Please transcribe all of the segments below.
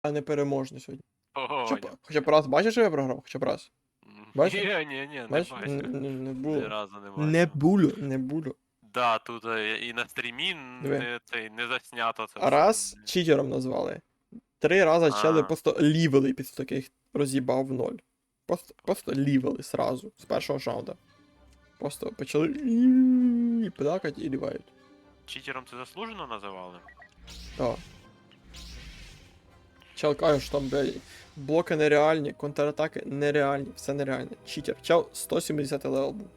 а не переможний сьогодні. Ого, Хоча б раз бачиш, що я програв? Хоча б раз. Бачиш? ні, не Бачиш? бачу. Не Ні було. разу не Не бачив. було, не було. Да, тут і на стрімі Диви. не заснято це Раз все. читером назвали. 3 рази чели А. просто лівели після таких роз'їбав в ноль. Просто лівели сразу, з першого раунда. Просто почали плакати і лівають. Читером це заслужено називали? Так. Чел каже, що там, блядь, блоки нереальні, контратаки нереальні, все нереальне. Читер. Чел 170 левел був.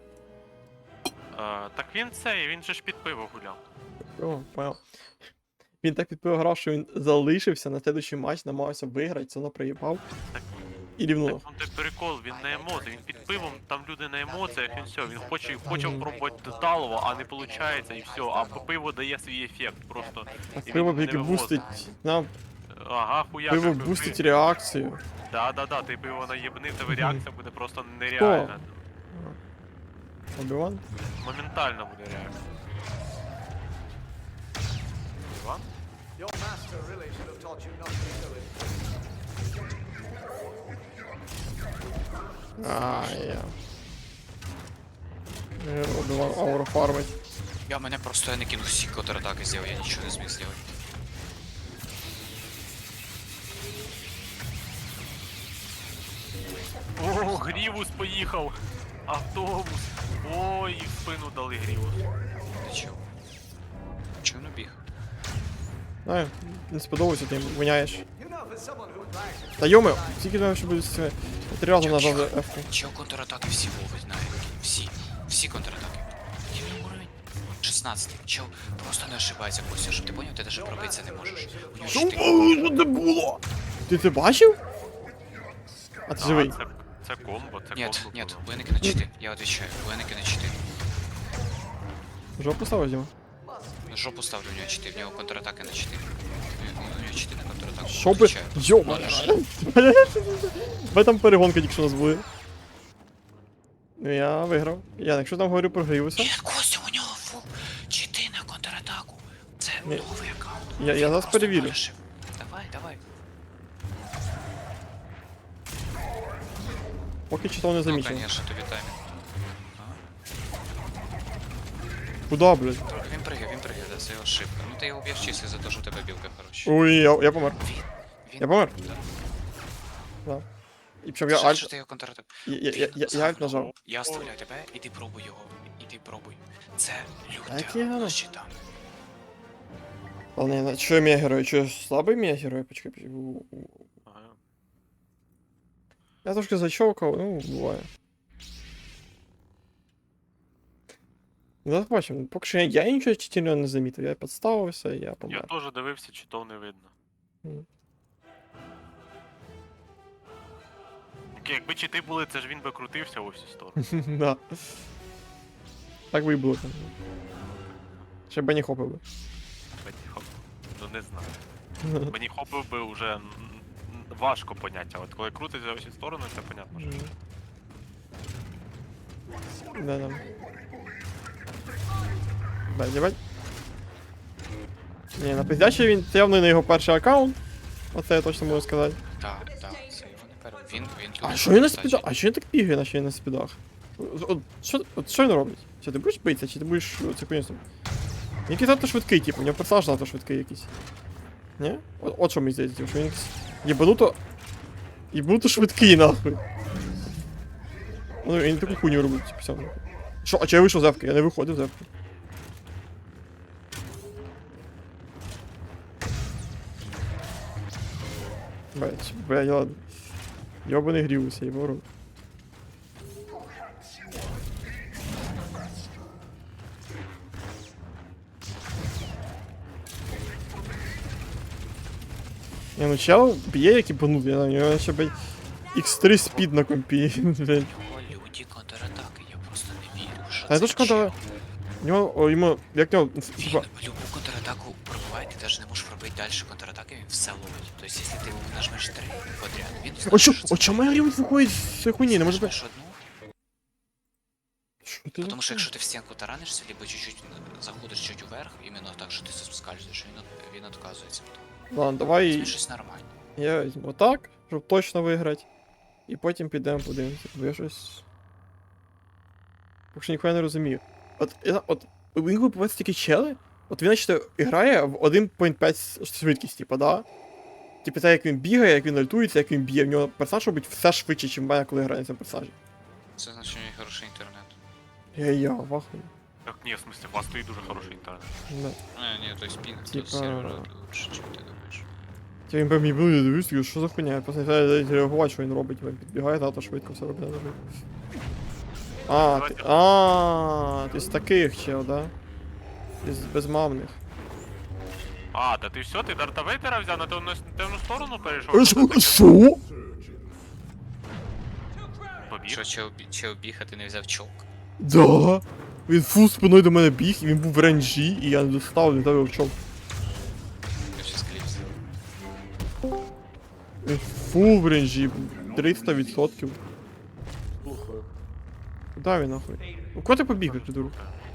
Так він же ж під пиво гуляв. О, понял. Він так підпив грав, що він залишився на следующий матч, намагався виграти, це приїбав. Так, І рівнув. Так той прикол, він на емоціях, він під пивом, там люди на емоціях, він все, він хоче пробувати деталово, а не виходить, і все, а пиво дає свій ефект, просто. А і пиво він не яке вивозить. бустить. Нам Ага, хуяка. пиво бустить реакцію. Да, ти пиво наєбнив, тебе реакція буде просто нереальна. Обіван? Моментально буде реакція. Іван? Your master really should have taught you not to do it. Обіван ауру фармить. Мене просто я не кинув всі контратаки зробив, я нічого не зміг зробити. О, Грівус поїхав! Автобус! Ой, і в спину дали Грівус. Нічого. Чого не біг? Знаю, не сподобався, ти виняєш. You know, for someone who brags, Та йоми, скільки знаю, що буде з цими. 3 рази нажав за F-ку. Чого контратаки всі ловить, знає. Всі контратаки. Який уровень? 16. Чел просто не ошибається, Костя, щоб ти поняв, ти навіть пробитися не можеш. У нього Що 4. це було? Ти це бачив? А ти живий? Це комбо, це Нет, комбо. нет, було. Буеники на читы, я отвечаю, Буеники на читы. Жопу ставиш, Діма? Жопу ставлю, у него читы, в него контратака на читы. У него читы на контратаку. Що би... отвечаю. Йома! Ви там перегонка тільки що у нас були. Ну я виграв. Я, якщо там говорю про Грівуса, Нет, Костя, у него фул читы на контратаку. Це Ні. новий аккаунт. Я зараз Просто перевірю. вирішив. Давай. поки читав не Ну, замічив. конечно, тобі таймінг. Куда, блядь? Він пригає, да, це його ошибка. Ну ти його б'єш чисто за те, що у тебе білка хороша. Ой, я помер. Він... Я помер? Да. Да. І причому я Жаль, альт... що ти його контратак. Я альт нажав. Я оставляю тебе, іди пробуй його. Іди пробуй. Це Так я люте грав. щита. Ладно, що я мій герой? Що я слабий мій герой? Почекай. Ага. Я трошки зачовкав, ну, буває. Зараз побачимо. Поки що я нічого читільного не замітив. Я підставився, і я Я помер. теж дивився, чи то не видно. Мгм. Якби чити були, це ж він би крутився у всі сторони. Да. Так би і було там. Ще б не хопив би. Беніхоп. Ну не знаю. Беніхопив би вже важко поняття. От коли крутиться у всі сторони, це понятно. Що... Да. Бать. Ні, на пиздячий він це явно не його перший аккаунт. Оце я точно можу сказати. Так, це його не перед. Він А що він на спідах? А що він так бігає, наче він на спідах? Що він робить? Чи ти будеш битися, чи ти будеш це конюсом? Він якийсь надто швидкий, типу, у нього персонаж надто швидкий якийсь. Ні? От що мені здається, що він якийсь єбануто швидкий, нахуй. Ну, він таку хуйню робить, типу, сам. Що, а чи я вийшов з ефки? Я не виходив з ефки. Блять, ладно. Ёбаный Грівус, я його рот. Не, ну чел б'є як ібанут, я знаю, у нього ще, блядь, X3 спід на компі, блядь. Його люті контратаки, я просто не вірю, що А я це теж контра... У нього, йому, як нього, Він типа, любу контратаку пробиває, ти навіть не можеш пробити далі контратаки, він все ловить. Тобто, якщо ти нажмеш 3 подряд, він О, що? знає, О, чому Грівус виходить з цієї хуйні? Не може бути. нажмеш одну, Що ти тому що за якщо ти в стінку таранишся, либо чуть-чуть заходиш чуть вверх, іменно так, що ти соскальзуєш, він відказується. Ладно, Це давай щось нормальне. я візьму отак, щоб точно виграти. І потім підемо подивимося, бо я щось. Поки що ніхуя не розумію. От у Вінгу побачиться такі чели, от він, значить, грає в 1.5 швидкість, типа, да? Типу, те, як він бігає, як він альтується, як він б'є, в нього персонаж робить все швидше, ніж в мене, коли грає на цьому персонажі. Це значить, у нього хороший інтернет. Я вахую. Так ні, в смысле, у вас стоїть дуже хороший інтернет. Да. Ні, то есть пінг, Типа- то сервера лучше, чим ти думаєш. Типа він по мені буде дивитися, що за хуйня, я просто не знаю реагувати, що він робить, він підбігає, та швидко все робить. Ти з таких чел, да? Із безмамних. А, та ти все, ти Дарта Вейдера взяв на темну сторону перейшов? Що? Побіг. Що, чел біг, а ти не взяв чолк? Да. Він фул спиною до мене біг, і він був в ренджі, і я не достав, не дав його в чому. Я щас кліпс. Він фул в ренджі, 300%. Слухаю. Куда він нахуй? Ну куди ти побіг, придурок?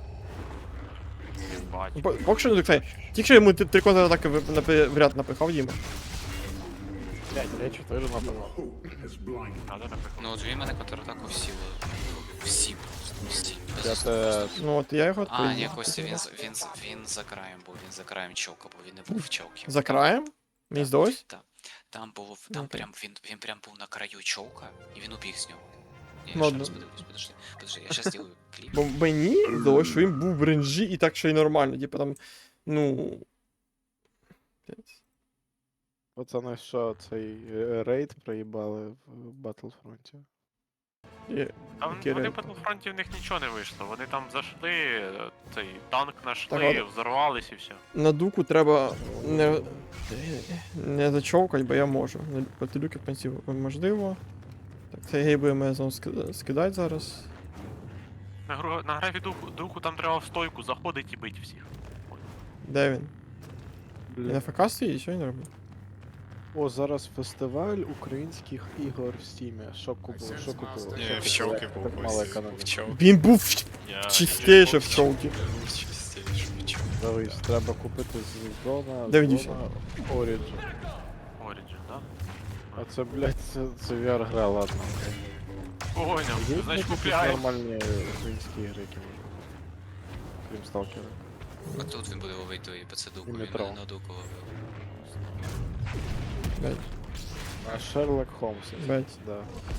Бать. Ну, поки що не доктай. Тільки що йому три контратаки в ряд напихав Діма. Блядь, я 4 напевно. Надо напихати. Ну от він мене контратаку всі просто, всі. Без Я особливостей. те... Ну от я його А, ні, відповів. Костя, він за краєм був, він за краєм чолка, бо він не був в чолкі. За краєм? Мені здалось? Там було, Ну, там окей. прям, він прям був на краю чолка, і він убіг з нього. Я ще Ладно. раз подивлюсь, подожди, я щас зроблю кліп. Бо мені здалось, що він був в ренджі і так ще й нормально. Типа там, ну. Пацани, що цей рейд проїбали в Battlefront? Там Який вони рейд? в Battlefront в них нічого не вийшло. Вони там зайшли, цей танк Так, нашли, ладно. взорвались і все. На дуку треба не зачовкать, бо я можу. Проти люки в принципі можливо. Так, це гей буде мене знову скидати зараз. На графі дуку там треба в стойку заходить і бить всіх. Де він? Він Блін. на ФК стоїть, що він робить? О, зараз фестиваль українських ігор в Стімі. Що купили? Що купили? Ні, Що в щелки купили? був Так мало ось. економіки. В щелки. Він був Я чистіше в чолки. Був чистіше, в щелки. Дивись, треба купити з зона, Де він зона дівся? Origin. Origin, да? А це, блядь, це VR-гра, ладно. Поняв, Є значить якісь купляємо. нормальні українські ігри, які можна? Крім Сталкера. А тут він буде ловити тої пацадуку, І він метро. мене на дуку ловив. Блять, А Шерлок Холмс, блять. да.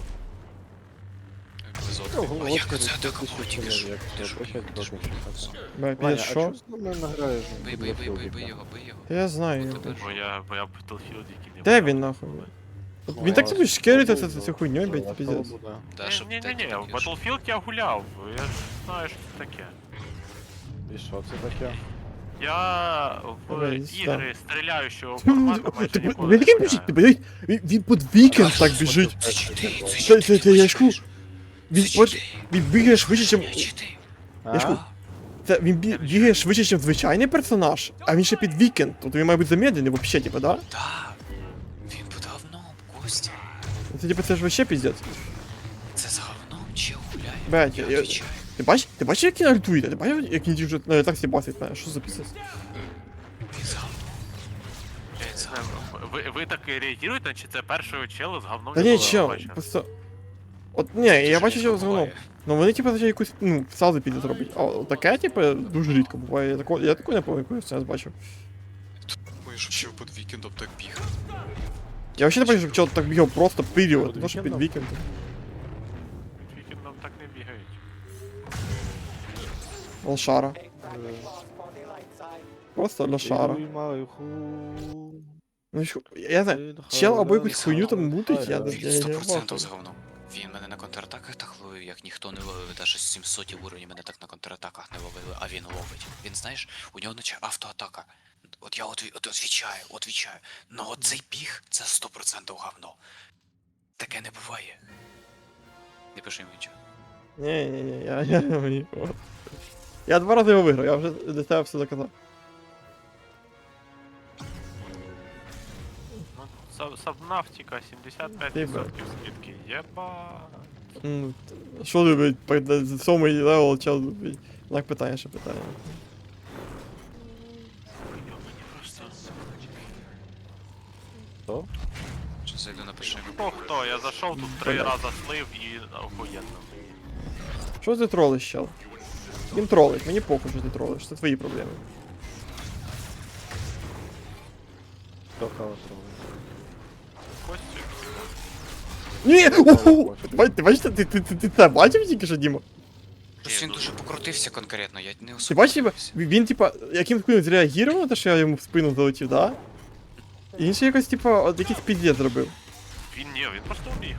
Безотки. А як це атака була тільки що? Як Ти це, що, опять ти що, добре. Блять, Ваня, піде а що? чого з нами награєш? Бий, бий, бий, бий, бий його, бий його. Та я знаю. От його. тепер. Бо я в Battlefield який не Де брав. він нахуй? От Він так тобі шкерить цю хуйню, блять, піздець. Да, щоб Ні, ти в там Battlefield я гуляв, я ж знаю, що це таке. І що це таке? Я в Давай, ігри стріляючого формату майже ніколи Він не такий біжить, ти гуляю. блять, він під вікенд так біжить. Це чити, Це я ж кажу, він бігає швидше, ніж... Я ж кажу, Це він бігає швидше, ніж звичайний персонаж, а він ще під вікенд. Тобто він має бути замедлений вообще, типа, да? Так, він під говном, Костя. Це типа це ж вообще піздець. Це за говном чел гуляє. Блядь, Я я- відвічаю. Ти бачиш, як він альтує? Ти бачиш, як він вже так сібасить мене? Що за піздець? Він за говном. Блядь, за говном. Ви так реагуєте, чи це першого чела з говном? Та ні, якого чел, ви бачили? просто... От, ні, я Дуже бачу, що рідко з говном. буває. Ну вони типа за якусь, ну, сразу піде зробить. А от таке, типа, дуже рідко буває. Я такого не пам'ятаю, коли я бачив. Ой, щоб ще під вікендом так біг. Я вообще не бачив, щоб чел так бігав просто період, не то що під вікендом? вікенд. Вікендом так не бігають. Лошара. Просто лошара. Ну, що, я знаю, чел або якусь хуйню там мутить, я Він не 100% бачу. за говном. Він мене на контратаках так ловив, як ніхто не ловив. Даже з 700 уровень мене так на контратаках не ловили, а він ловить. Він, знаєш, у нього наче автоатака. От я отвічаю. Но от цей біг, це 100% говно. Таке не буває. Не пиши йому нічого. Ні, я 2 рази його виграв, я вже для тебе все доказав. Ну, Сабнафтика 75% скидки. Єба. Що любить, 7-й левел, чел, блядь, знак питання, ще питання. Мені просто... Хто? Чи зайду напиши. Хто, я зайшов тут 3 рази слив і охуєнно. Що ти тролиш, чел? Він тролить, мені похуй, що ти тролиш, це твої проблеми. Хто кого трогає? Костю. Ні! Уху! Ти бачите, ти це бачив тільки що, Діма? Просто він дуже покрутився конкретно, я не Ти особо. бачиш, дивився. він типа, яким хуйом зреагував на те, що я йому в спину залетів, да? І він ще якось, типа, от якийсь піздець зробив. Він просто убіг.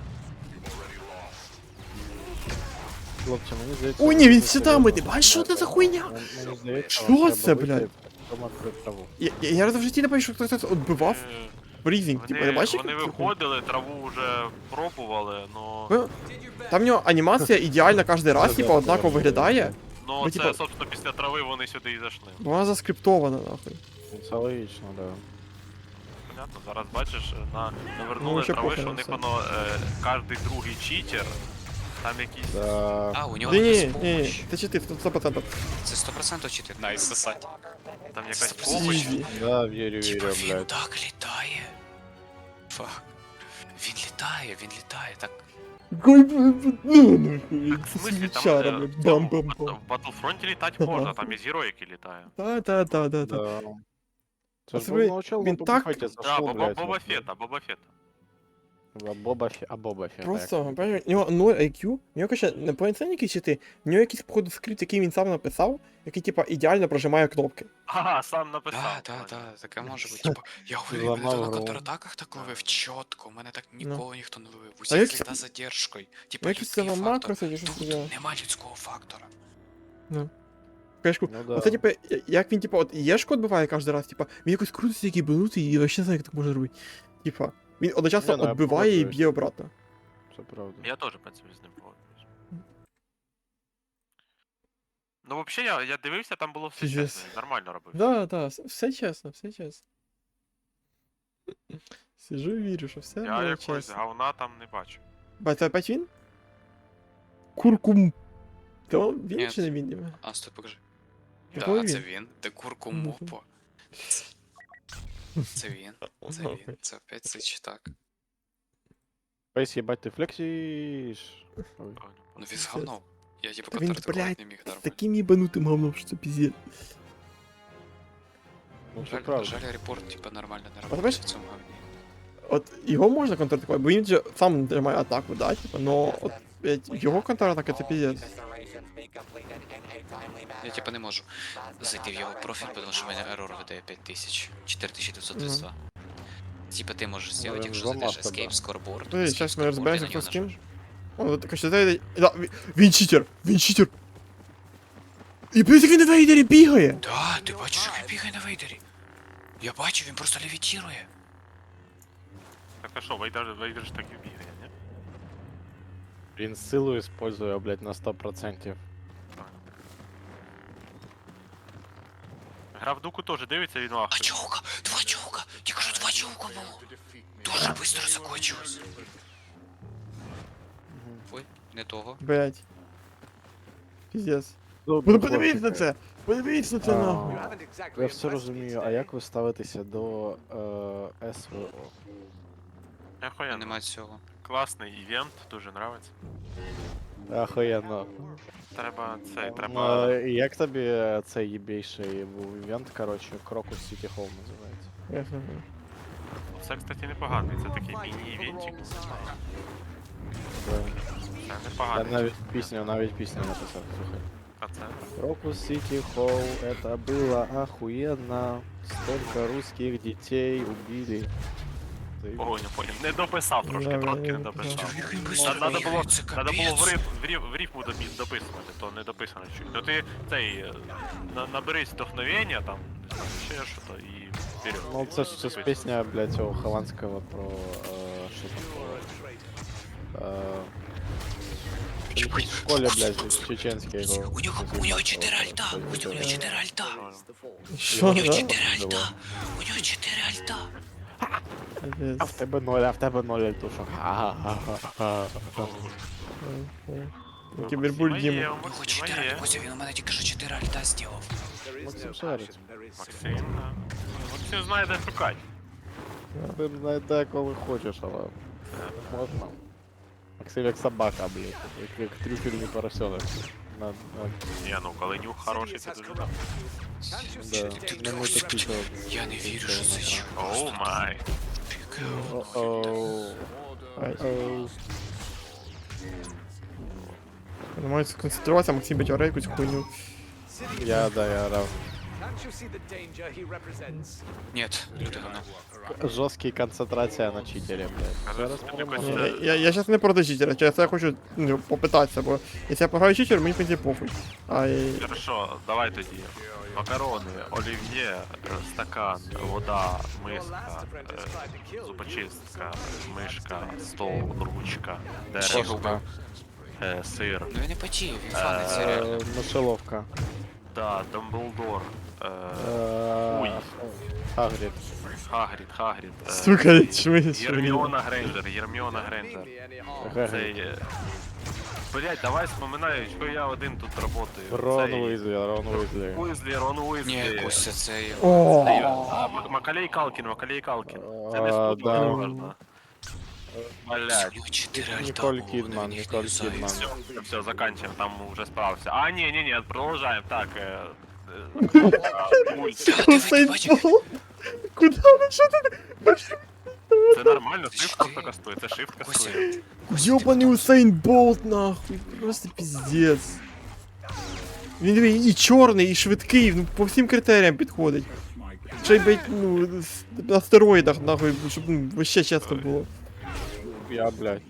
Хлопці, мені здається... Ой, ні, він це щитами, серйозно. ти бачиш, що це за хуйня? Мені здається, Що вам це, треба блядь? вийти, потім відкрити траву. Я раз в житті не бачив, що хтось відбивав Е, брізінг, типа, не бачив? Вони виходили, траву вже пробували, но... Ну, там в нього анімація ідеальна кожен раз, типа, однаково виглядає, Ну ну, це, типа- собственно, після трави вони сюди і зайшли. бо вона заскриптована, нахуй. Це логічно, да. Понятно, зараз бачиш, навернули Ну, ще трави, похуй що на у них все. воно кожний другий читер. Там якісь... Да. А, у нього Ні, якась ні, ні, помощь. це чити, 100%. Це 100% чити. Найс, сосать. Там якась Це помощь. Ізі. Да, вірю, Типа вірю, він блядь. так літає. Фак. Він літає, так. Ой, блядь, ну, нахуй. Так, в смысле, там Свічара, в блядь, цьому, бам-бам-бам. в Battlefront літати можна, там і героїки літає. Та. Да. Це ж Особливо, був начал він на так- Бобафетті Да, зайшов, блядь. Боба Фета, Боба Фета. Боба Фетт. Просто, понимаешь, у нього 0 IQ, у нього, короче, не повноцінні якісь чити, у нього якийсь, походу, скрипт, який він сам написав, який, типа, ідеально прожимає кнопки. Ага, сам написав. Да, таке може бути. Типа, я уверен, мене Зламав то на гру. контратаках так ловив чітко, у мене так ніколи ніхто не ловив. А як Усіх це- літа з задержкою. Типа, Якийсь це людський вам фактор. макро, чи щось таке. Тут нема людського фактора. Кашку, Ну да. оце, типа, як він, типа, от Єшку відбиває кожен раз, типа, він якось крутиться, який бенутий, і вообще не знаю, як так можна робити. Типа, він одночасно Не, ну, я відбиває і погоджуюсь. б'є обратно. Це правда. Я теж, в принципі, з ним погоджуюсь. Ну, взагалі, я дивився, там було все Пиздец. чесно, він нормально робив. Да, все чесно, все чесно. Сижу і вірю, що все Я було якось чесно. говна там не бачу. Ба, це опять він? Куркум. То він Ні. чи не він? Діма? А, стой, покажи. Який Да, це він? він. Де курку Мгм. мопо. Це він. Це опять цей читак. Пейс, їбать, ти флексиш. Ой. Ну він згавнув. Я типа Та він, контратакувати блядь, не міг З нормально. таким їбанутим говном, що це піздець. Ну це Жаль, правда. жаль, репорт типа нормально не знаєш- робить в цьому говні. От його можна контратакувати, бо він же сам тримає атаку, да, типа, но от, блядь, його контратака це піздець. Я типа не можу зайти в його профіль, тому що в мене ерор видає 5000, 4932. Типа ти можеш зробити, він якщо зламав зайдеш тебе. Escape Scoreboard. Ой, Escape зараз ми Scoreboard, розберемося, і на хто нього з ким. нажмеш. О, от, короче, да, він читер, він читер. І плюс як він на вейдері бігає. Да, ти бачиш, як він бігає на вейдері. Я бачу, він просто левітірує. Так а що, Вейдер ж так і бігає, ні? Він силу использує, блядь, на 100%. Гра в дуку теж дивиться, він А вахує. чаука, два чаука, тільки що два чаука було. Дуже швидко закончилось. Ой, не того. Блядь. Піздець. Добре, Ну подивіться на хлопчики. це! Подивіться на це А. нахуй. You haven't exactly Я все impressed me розумію, today. а як ви ставитеся до СВО? Охуєнно. Нема цього. Класний івент, дуже нравиться. Охуєнно. Треба цей, Ну, треба. як тобі цей єбейший був івент, коротше, Крокус Сіті Холл називається? Ясно. Це, кстати, непоганий, це такий міні-івентик. Да. Це Я непоганий. навіть пісню написав, слухай. А це? Крокус Сити Холл, это было охуенно. Столько русских детей убили. Ты- Ой, не понял. Не дописав трошки, Да, трошки я не не дописав. Як він Надо було, це надо було капець. в рифму дописувати, то не дописано чуть. Ну ти цей, наберись вдохновення там, не знаю, ще що-то і вперед. Ну, це ж Дописуй. пісня, блядь, цього Хованського про... що там було? В школі, блядь, чеченський його. У нього 4 альта, у нього 4 альта. Що, У нього да? 4 альта, у нього 4 альта. А в Піздець. тебе 0, а в тебе 0 альтушок. Ха-ха-ха-ха. Кібербуль Діму. Є, У у нього Максима 4 є. альта, Костя, він у мене тільки що 4 альта зробив. There is no Максим passion, шарить. there is Максим, да. Максим знає, де шукати. Ти знайде, коли хочеш, але можна. Максим як собака, блядь, як трюфельний поросенок. Ні, ну коли нюх хороший, це дуже добре. Да, не такі, то... Я не вірю, що це чувак. Оу май. О-оу. Ай. Оу. Намагаюся сконцентруватися, Максим бить якусь хуйню. Я грав. Can't you see the danger he represents? Ні, люди говно. Жорсткий концентрація на читері, блядь. Зараз Якось, перемога. Я зараз не проти читера, через це я хочу попитатися, бо якщо я програю читер, мені в принципі похуй. Ай. Хорошо, давай тоді. Макарони, олів'є, стакан, вода, миска, зубочистка, мишка, стол, ручка, дерево, сир, Ну він не потіє, він фанить, це реально. Мишеловка. да, Дамблдор, Ой. Хагрід. Хагрід, Сука, чмись. Єрміона Грейнджер. Цей... Блять, давай вспоминаю, що я один тут работаю. Рон Уізлі, Рон Уізлі. Рон Ні, Уизлі. Костя, це... О, Макалей Калкін. Це не спутати да. можна. Блять. Всього 4 альта Ніколь було, Кідман, він їх Ніколь не Кідман. юзає. Все, заканчиваем, там уже справился. А, не, продолжаем. Так, мульт. Та, ти Усейн бачиш? Болт. Куда ви? Що ти? Це нормально, shift просто кастує, це shift Костя, кастує. Ёбаний Усейн Болт, нахуй. Просто пиздец. Він диви, і чорний, і швидкий, ну по всім критеріям підходить. Ще й, блядь, ну, на стероїдах, нахуй, щоб ну, вообще чесно було. Я, блядь.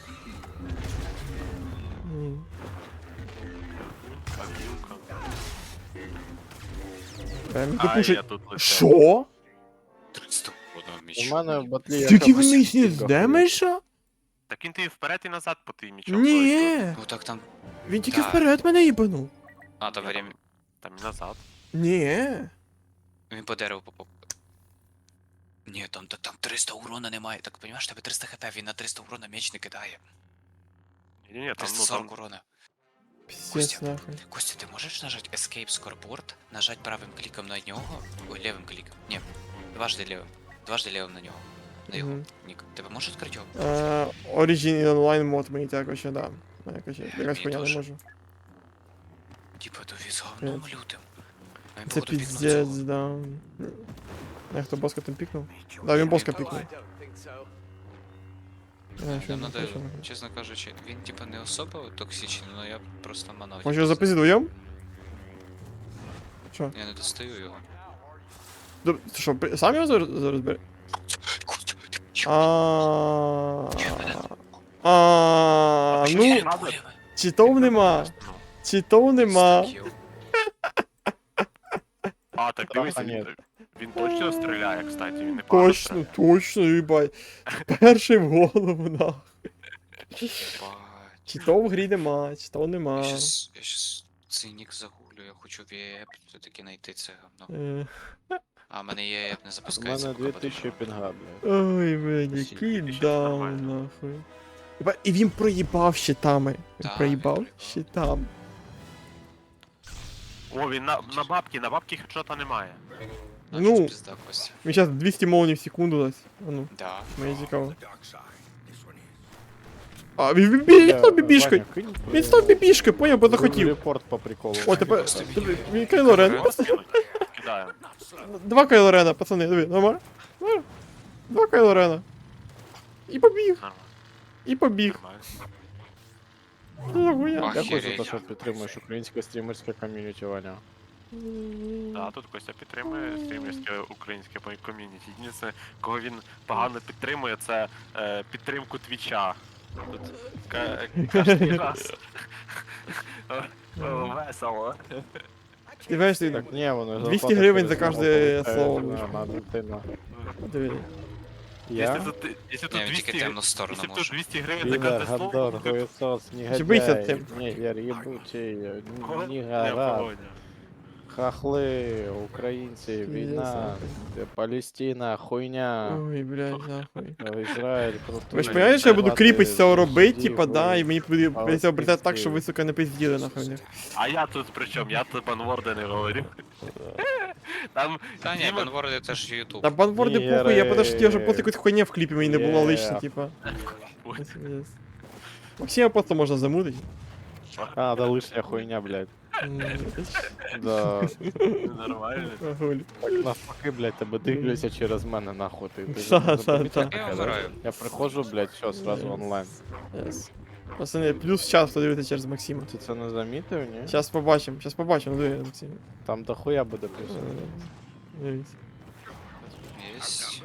Прям А, допушить. я тут лише. Що? 300 одного У мічу. мене в батлі є Тільки якась вниз не кілька здемеша? Так він ти вперед і назад по тим мічом. Ні. Ну так там... Він тільки Так. вперед мене їбанув. А, то время... Там і назад. Ні. Він по дереву попав. Ні, там 300 урона немає. Так, понімаєш, тебе 300 хп, він на 300 урона меч не кидає. Ні, там, ну, 340 там... урона. Пиздец, Костя. нахуй. Костя, ти можеш нажати Escape Scoreboard, нажати правим кліком на нього, ой, лівим кліком, ні, дважди лівим на нього, на його Мгм. нік. Тебе можеш відкрити його? Origin онлайн мод мені також ще да. Якось Мені поняв не теж. можу. Типа, то він з говном лютим. Нам Це походу, пікнув пиздец, цього. да. А хто боска там пікнув? Да, він боска Oh, I пікнув. don't think so. А, що Нам не надо, хоче? чесно кажучи, він типа не особо токсичний, але я просто манав. Може його запиздити вдвоєм? Що? Я не достаю його. Ти що, сам його зараз бери? Костя, ти чо? Ну, читов нема. Читов нема. А, так дивися, Ні. він точно стріляє, кстати, він не погано Точно, точно, їбать. Перший в голову, нахуй. Читов в грі нема, читов нема. Я щас цей нік загуглю, я хочу віп все-таки знайти це говно. Е, А, в мене є, не У запускається. мене поки 2000 буде. пінга, блядь. Ой, блядь, який даун, нахуй. Єба, і він проїбав щитами. Він Так, проїбав він проїбав. щитами. О, він на бабки хедшота немає. Ну. Значить, пизда, Костя. Він зараз 200 молнів в секунду дасть. А ну, Да. мені цікаво. А, він став бібішкою. Ваня, кинь, Він став бібішкою, поняв, бо Зроби захотів. Репорт по приколу. О, тепер, Просто він Кайло Рен. Треба скинуть. Кидаю. Два Кайло Рена, пацани, диви, нормально? Нормально? Два Кайло Рена. І побіг, Нормально. і побіг. Нормально. Нахуя? Дякую за Охереть. те, що підтримуєш українське стрімерське ком'юніті, Ваня. Да, тут Костя підтримує стрімерське українське ком'юніті. Єдине, кого він погано підтримує, це підтримку Твіча. Тут кожен раз. Весело. Ти знаєш, ти Так, ні, воно 200 гривень за кожне слово. На дитину. диви. Якщо Я? тут Ні, він 200 тільки темну сторону Якщо тут може. 200 гривень за Підер, кожне слово, гандон, то хуєсос, бийся негодяй, тим. нігер, єбучий, кого? нігера, Володя. хахли, українці, війна, Палестина, хуйня, Ой, блядь, нахуй. Ізраїль, крутий. Ви ж розумієте, що я буду кріпить з цього робити, Судів, типа, да, і мені прийдеться Але обертати так, пиздец. щоб ви, сука, не пизділи, нахуй. А я тут при чому? Я тут панворда не говорю. Там Та ні, Діма- банворди це ж Ютуб. Та банворди Ні, похуй, я подожди, я вже ре- просто якусь хуйня в кліпі мені не було Є. лишня, типа. Ой, Максима просто можна замутити. А, да лишня хуйня, блядь. М, Да. нормально. Гуль. Так навпаки, блядь, тебе дивляться через мене, нахуй. Ти ж Та, не та, помітив та. таке, Я да? вмираю. Я приходжу, блядь, все, сразу онлайн. Yes. Пацани, плюс час хто дивиться через Максима. Ти це не замітив, ні? Щас побачимо, диви, Максим. Там дохуя буде плюс. Дивись. Єсть.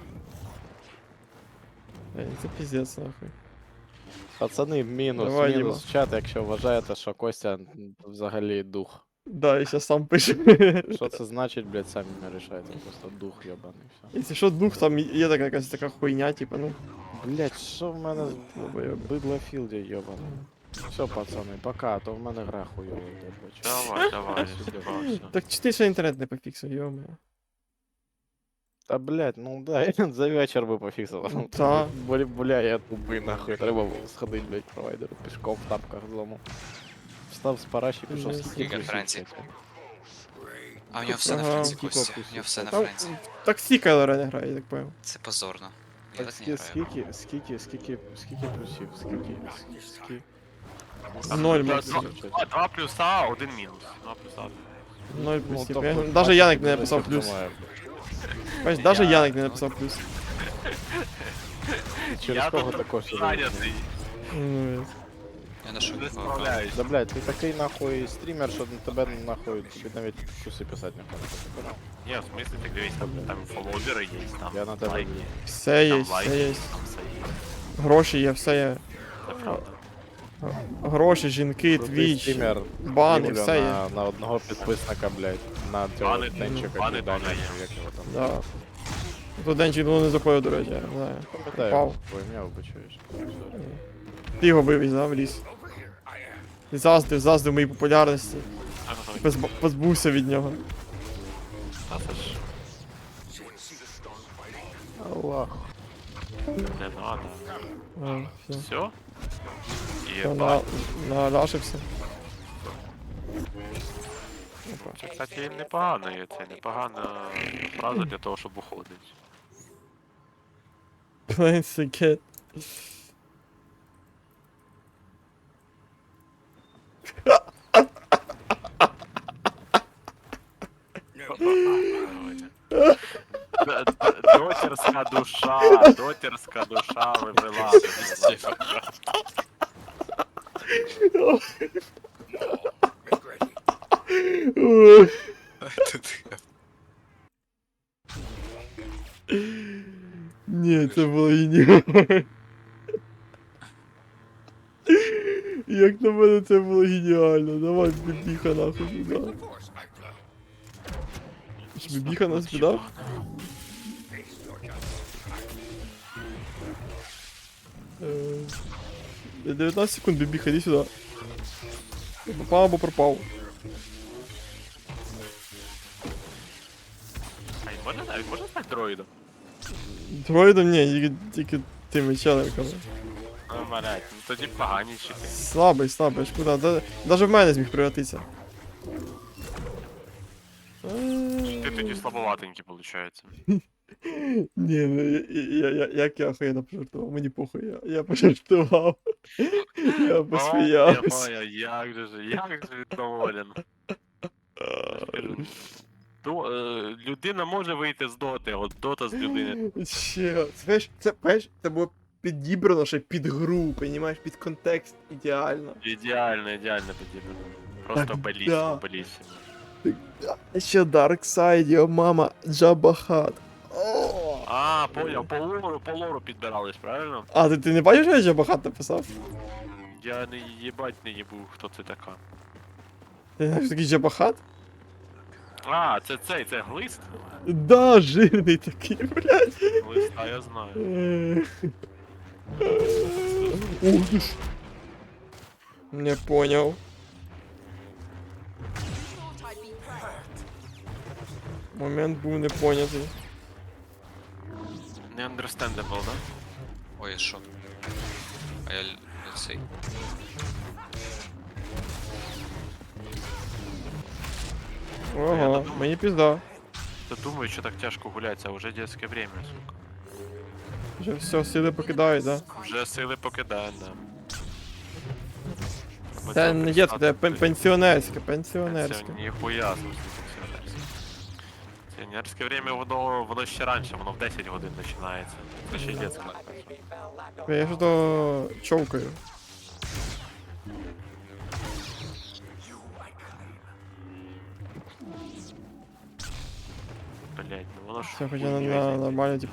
Це піздець, нахуй. Пацани, мінус, Давай, мінус в чат, якщо вважаєте, що Костя взагалі дух. Да, я щас сам пишу. Що це значить, блядь, самі не рішайте, просто дух йобаний, все. Якщо що, дух, там є така якась така хуйня, типа, ну. Блядь, що в мене з Долбойоби. бидлофілді йобаний. Все, пацани, пока, а то в мене гра хуйова, я бачу. Давай, зібався. Так чи ти ще інтернет не пофіксив, йома. Та блядь, ну да, за вечір би пофіксив. Ну, та. Бля, я тупий нахуй, треба було сходити, блядь, провайдеру, пішком в тапках зламав. Встав з параші, пішов Жесть. скільки Скільки Франції? А у нього все на Ага. Франції, Скільки Костя. опустив? У нього все на Там, Франції. так всі Кайлора не грає, я так понял. Це позорно. Я так не граю. Скільки плюсів, скільки... Ноль, Два- Максим. два плюса, один мінус. Два плюса. Ноль Ну, плюсів. тобто, Даже Яник не бачиш, написав що плюс. думаю, Бачиш, даже Яник не написав плюс. Через Я кого тут також зайнятий, Ну, Я нашов не нікого. справляюсь. Да, блядь, ти такий нахуй стрімер, що на тебе нахуй тобі навіть плюси писати не хочеш. Ні, в смысле, ти дивись, там фоловери є, там Я на тебе лайки, дивлюсь. все є, там все лайки, є. там все є. Гроші є, все є. Це правда. Гроші, жінки, Крутий твіч, стрімер, бани, Юля все є. на одного підписника, блядь, на цього Бани- денчика, бани Даня, теж є. чи як його там. Да. Тут Денчик давно не заходив, до речі, я не знаю. Пам'ятаю, Впав. твоє ім'я вибачаюсь. Ти його вивіз, да, в ліс. Ти заздив моїй популярності. Позбувся від нього. Та це ж Аллах. не надо. А, все. Все? Все, Єбать. наляшився. Це, кстати, непогано є, це непогана фраза для того, щоб уходити. Plain Sicket. Дотерська душа вивела. Ні, це було геніально. Як на мене це було геніально. Давай бібіха нахуй сюди. Бібіха нас підав? 19 секунд, бібіха, іди сюди. Попав або пропав. А він може стати дроїдом? Дроїдом ні, тільки тими челиками. Ну, блядь, ну тоді погані чити. Слабий, ж куди? Даже в мене зміг превратитися. Ти тоді слабоватенький, виходить. Ні, ну як я охуєнно пожартував, мені похуй, я пожартував. Я посміявся. Ой, як же він доволен. Людина може вийти з доти, от дота з людини. Ще, це було підібрано ще під гру, понімаєш, під контекст ідеально. Ідеально тоді. Просто Так, белісимо, да. белісимо. Ще Dark Side, його мама, Jabba Hutt. А, поняв, по лору підбирались, правильно? А, ти не бачиш, що я Jabba Hutt написав? Я не їбать не їбу, хто це така. Ти знаєш, що такий Jabba Hutt? А, це глист? Да, жирний такий, блядь. Глист, а я знаю. Ух ти ж. Не понял. Момент був не понятий. Не understandable, да? Ой, що? А я цей. Ого, мені пізда. Та думаю, що так тяжко гуляться, а вже детське время, сука. Вже все, сили покидають, да? Вже сили покидають, да. Це не дітське, це пенсіонерське, пенсіонерське. Ніхуя, слушай, пенсіонерське. Пенсіонерське время, воно ще раніше, воно в 10 годин починається. Це ще й детське. Я ж то човкаю. Блять, ну воно ж... Все, хоча на нормально, типу,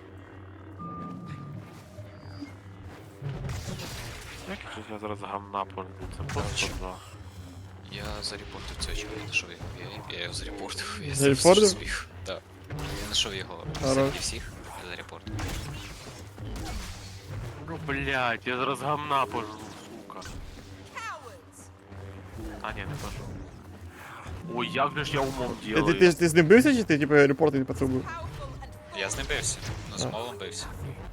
Як я зараз гамна пользую, це просто два. Я зарепортив цього чоловіка, знайшов його. Я його зарепортив. Я Зарепортив? зміг. Так. Я знайшов його Хорош. серед всіх. Я зарепортив. Ну блять, я зараз гамна пожру, сука. А ні, не пожру. Ой, як же ж я умом Ти, делаю. ти з ним бився, чи ти, типу, репортинг пацан був? Я з ним бився. Ну, з Молом бився.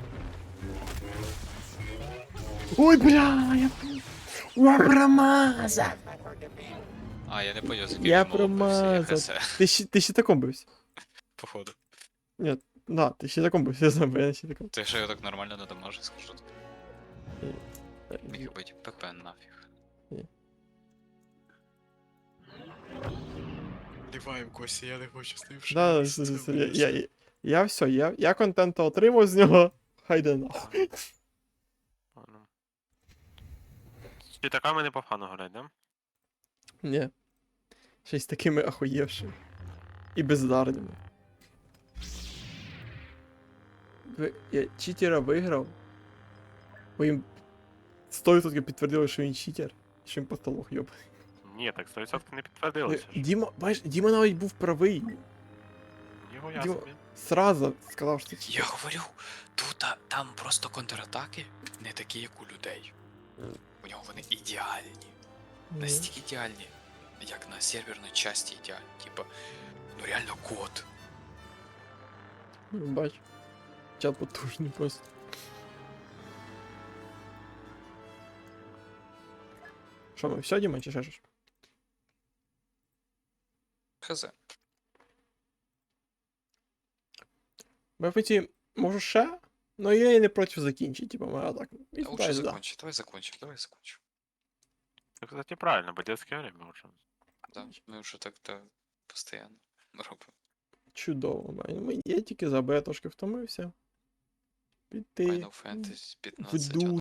Ой, бля, я промазав. А, я не поняв, з яким Я він Молом бився. Я промазав. хз. Ти щитаком бився? Походу. Ні, да, ти щитаком бився, я знаю, бо я щитаком. Ти що я так нормально не дамажу, скажу тобі. Міг бути ПП нафіг. Ліваємо, Костя, я не хочу з ним Да, я все, я контенту отримав з нього, хай йде нахуй. Чи така мене по фану гулять, да? Ні. Ще й з такими ахуєвшими. І бездарними. Я читера виграв. Бо їм 100% підтвердили, що він читер. Що він просто лох, йоб. Ні, так 100% не підтвердилося ж. Діма, бачиш, Діма навіть був правий. Його я Діма собі. сразу сказав, що це Я говорю, тут там просто контратаки не такі, як у людей. У нього вони ідеальні. Настільки ідеальні, як на серверній часті ідеальні. Типа, ну реально код. Бач. Чат потужний просто. Що ми все, Діма, чи ще щось? Хз. БФТ, може ще? Ну я і не проти закінчити, типу, мене так. І Лучше да. закончи, давай закончим. Це, кстати, правильно, бо детське время вже. Да, ми вже так-то постійно робимо. Чудово, я тільки за Б трошки втомився. Піти. Final Fantasy 15. Вду